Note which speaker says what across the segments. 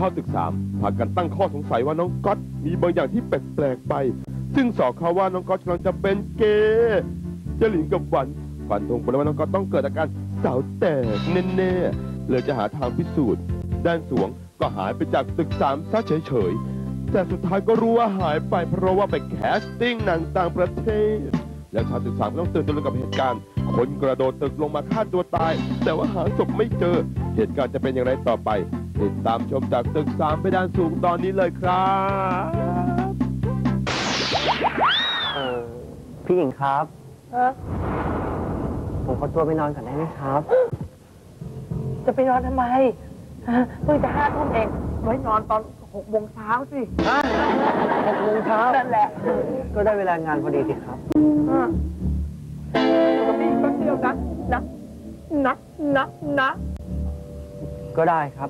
Speaker 1: าวตึกสามพากันตั้งข้อสงสัยว่าน้องก๊อตมีบางอย่างที่แปลกๆไปซึ่งสอบเขาว่าน้องก๊อตกำลังจะเป็นเกย์เจลินกับหวันฟันธงไปแล้วว่าน้องก๊อตต้องเกิดอาการสาวแตกแน่ๆเลยจะหาทางพิสูจน์ด้านสวงก็หายไปจากตึกสามซะเฉยๆแต่สุดท้ายก็รู้ว่าหายไปเพราะว่าไปแคสติ้งหนังต่างประเทศแล้วชาวตึกสามก็ต้องตื่นตระหนกกับเหตุการณ์คนกระโดดตึกลงมาฆ่าตัวตายแต่ว่าหาศพไม่เจอเหตุการณ์จะเป็นอย่างไรต่อไปติดตามชมจากตึกสามไปด้านสูงตอนนี้เลยครับ
Speaker 2: พี่หญิงครับผมขอตัวไปนอนก่อนได้ไหมครับ
Speaker 3: จะไปนอนทำไมเพิ่งจะ5 ทุ่มเองไว้นอนตอน6 โมงเช้าสิ
Speaker 2: 6 โมงเช้า
Speaker 3: นั่นแหละ
Speaker 2: ก็ได้เวลางานพอดีสิครับ
Speaker 3: ก็มีก็เที่ยวนะ
Speaker 2: ก็ได้ครับ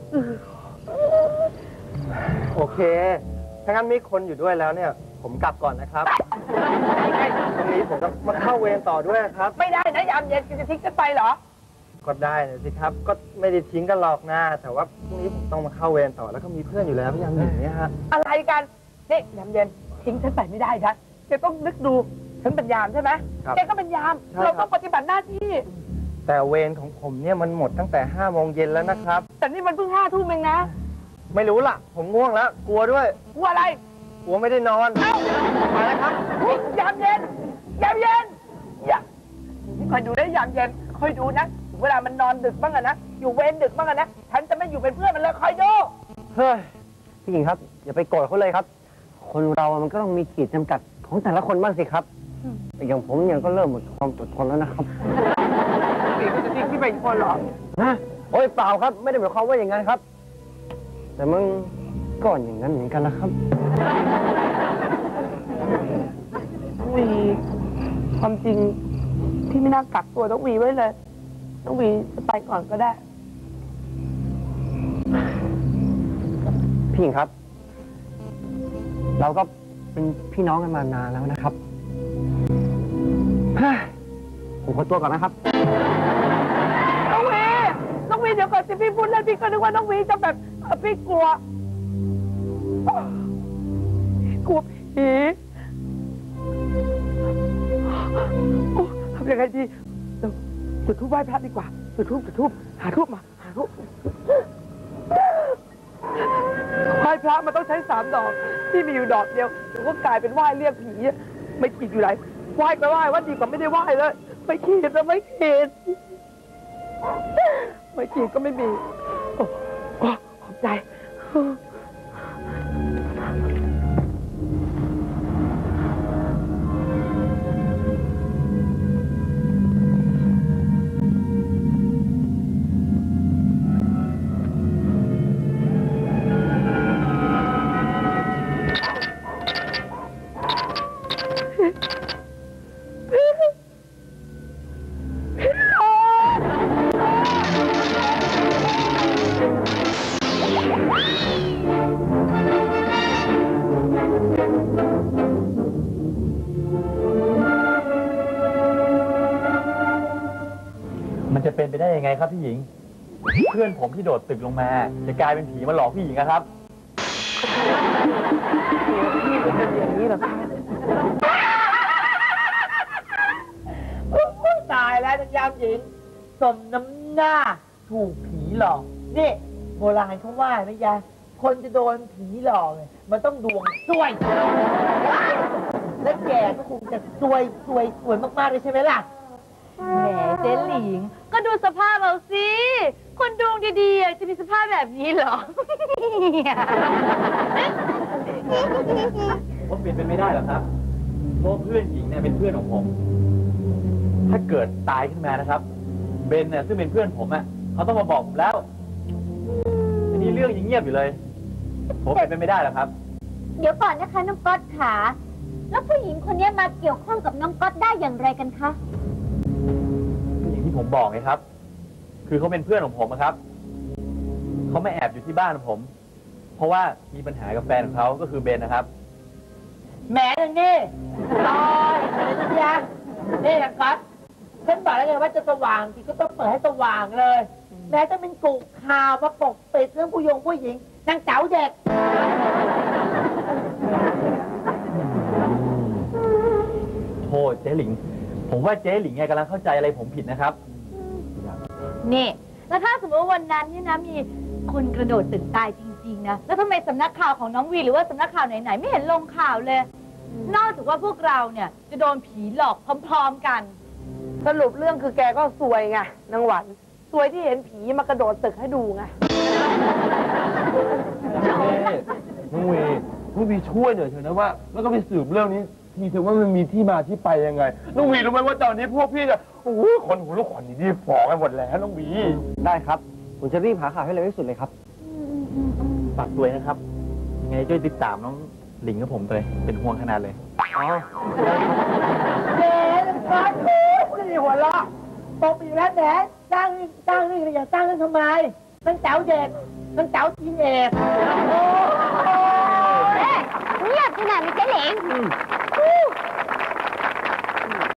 Speaker 2: โอเคถ้างั้นมีคนอยู่ด้วยแล้วเนี่ยผมกลับก่อนนะครับตรงนี้ผมจะมาเข้าเวรต่อด้วยครับ
Speaker 3: ไม่ได้นะยามเย็นจะทิ้งกันไปเหรอ
Speaker 2: ก็ได้นะสิครับก็ไม่ได้ทิ้งกันหรอกนะแต่ว่าพรุ่งนี้ผมต้องมาเข้าเวรต่อแล้วก็มีเพื่อนอยู่แล้วพี่ยามเย็นเนี่ยฮะ
Speaker 3: อะไรกันนี่ยามเย็นทิ้งฉันไปไม่ได้นะแกต้องนึกดูฉันเป็นยามใช่ไหมแกก็เป็นยามเราต้องปฏิบัติหน้าที่
Speaker 2: แต่เวรของผมเนี่ยมันหมดตั้งแต่5 โมงเย็นแล้วนะครับ
Speaker 3: แต่นี่มันเพิ่ง5 ทุ่มเองนะ
Speaker 2: ไม่รู้ล่ะผมง่วงแล้วกลัวด้วย
Speaker 3: กลัวอะไร
Speaker 2: กลัวไม่ได้นอนมาแล้วครับ
Speaker 3: ยามเย็นอย่าคอยดูได้ยามเย็นคอยดูนะเวลามันนอนดึกบ้างอะนะอยู่เวรดึกบ้างอะนะฉันจะไม่อยู่เป็นเพื่อนมันเลยคอยดู
Speaker 2: เฮ้ยพี่หญิงครับอย่าไปโกรธเขาเลยครับคนเรามันก็ต้องมีขีดจำกัดของแต่ละคนบ้างสิครับอย่างผมเนี่ยก็เริ่มหมดความอดทนแล้วนะครับ
Speaker 3: พี่ก็จะทิ้งพี่ไปอีกคนหรอ
Speaker 2: ฮะโอ้ยเปล่าครับไม่ได้หมายความว่าอย่างนั้นครับแต่มึงก่อนอย่างนั้นเหมือนกันนะครับ
Speaker 3: วีความจริงพี่ไม่น่ากักตัวต้องวีไว้เลยต้องวีจะไปก่อนก็ได้
Speaker 2: พี่หญิงครับเราก็เป็นพี่น้องกันมานานแล้วนะครับผมขอตัวก่อนนะครับ
Speaker 3: น้องวีเดี๋ยวก่อนสิพี่พูดแล้วพี่ก็นึกว่าน้องวีจะแบบพี่กลัวผีทำยังไงดีจุดธูปไหว้พระดีกว่าจุดธูปหาธูปมาไหว้พระมันต้องใช้3 ดอกที่มีอยู่ดอกเดียวเดี๋ยวก็กลายเป็นไหว้เรียกผีไม่ขีดอยู่ไหนไหว้ก็ไหว้ว่าดีกว่าไม่ได้ไหว้เลยไม่ขีดแล้วไม่ขีดก็ไม่มีขอบใจ
Speaker 4: มันจะเป็นไปได้ยังไงครับพี่หญิงเพื่อนผมที่โดดตึกลงมาจะกลายเป็นผีมาหลอกพี่หญิงนะครับ
Speaker 3: อย่างนี้เหรอคะตายแล้วยามหญิงสมน้ำหน้าถูกผีหลอกนี่โบราณเขาว่านะยายคนจะโดนผีหลอกเนี่ยมันต้องดวงซวยและแกก็คงจะซวยมากๆเลยใช่ไหมล่ะ
Speaker 5: แหมเจ๊หลิงก็ดูสภาพเอาสิคนดวงดีๆจะมีสภาพแบบนี้เหรอ
Speaker 4: ผมเปลี่ยนเป็นไม่ได้หรอกครับเพราะเพื่อนหญิงเนี่ยเป็นเพื่อนของผมถ้าเกิดตายขึ้นมานะครับเบนเนี่ยซึ่งเป็นเพื่อนผมอ่ะเขาต้องมาบอกผมแล้วอันนี้เรื่องยังเงียบอยู่เลยผมเปลี่ยนเป็นไม่ได้หรอกครับ
Speaker 5: เดี๋ยวก่อนนะคะน้องก๊อตขาแล้วผู้หญิงคนนี้มาเกี่ยวข้องกับน้องก๊อตได้อย่างไรกันคะ
Speaker 4: อย่างที่ผมบอกไงครับคือเขาเป็นเพื่อนของผมครับเขาไม่แอบอยู่ที่บ้านของผมเพราะว่ามีปัญหากับแฟนของเขาก็คือเบนนะครับ
Speaker 3: แหมนี่ลอยอะไรสักอย่างนี่นะก๊อตฉันบอกแล้วไงว่าจะสว่างทีก็ต้องเปิดให้สว่างเลยแม้จะเป็นกุข่าวมาปกปิดเรื่องผู้หญิงนางเจ๋าเด็ก
Speaker 4: โทษเจ๊หลิง ผมว่าเจ๊หลิงไงกำลังเข้าใจอะไรผมผิดนะครับ
Speaker 5: นี่ แล้วถ้าสมมติว่าวันนั้นเนี่ยนะมีคนกระโดดตึกตายจริงๆนะ แล้วทำไมสำนักข่าวของน้องวีหรือว่าสำนักข่าวไหนๆไม่เห็นลงข่าวเลย นอกจากว่าพวกเราเนี่ยจะโดนผีหลอกพร้อมๆกัน
Speaker 6: สรุปเรื่องคือแกก็ซวยไงนางหวันซวยที่เห็นผีมากระโดดตึกให้ดูไง
Speaker 1: น้องวีช่วยหน่อยเถอะนะว่า แล้วก็ไปสืบเรื่องนี้ทีเถอะว่ามันมีที่มาที่ไปยังไง น้องวีรู้ไหมว่าตอนนี้พวกพี่จะโอ้โหคนหูลูกขนนี่ฟ้องกันหมดแล้วน้องวี
Speaker 2: ได้ครับ ผมจะรีบหาข่าวให้เร็วที่สุดเลยครับ
Speaker 4: ฝากด้วยนะครับ ยังไงช่วยติดตามน้องหลิงกับผมเลย เป็นห่วงขนาดเลย
Speaker 3: เจ๊ฟ้าคูไม่ได้หัวเราะตบอีกแล้วแหนสร้างเรื่องอย่าสร้างเรื่องทำไมนางเจ๋าเด็กนางเจ๋าทีนเอก
Speaker 5: เงียบขนาดนี้เจ๊หลิง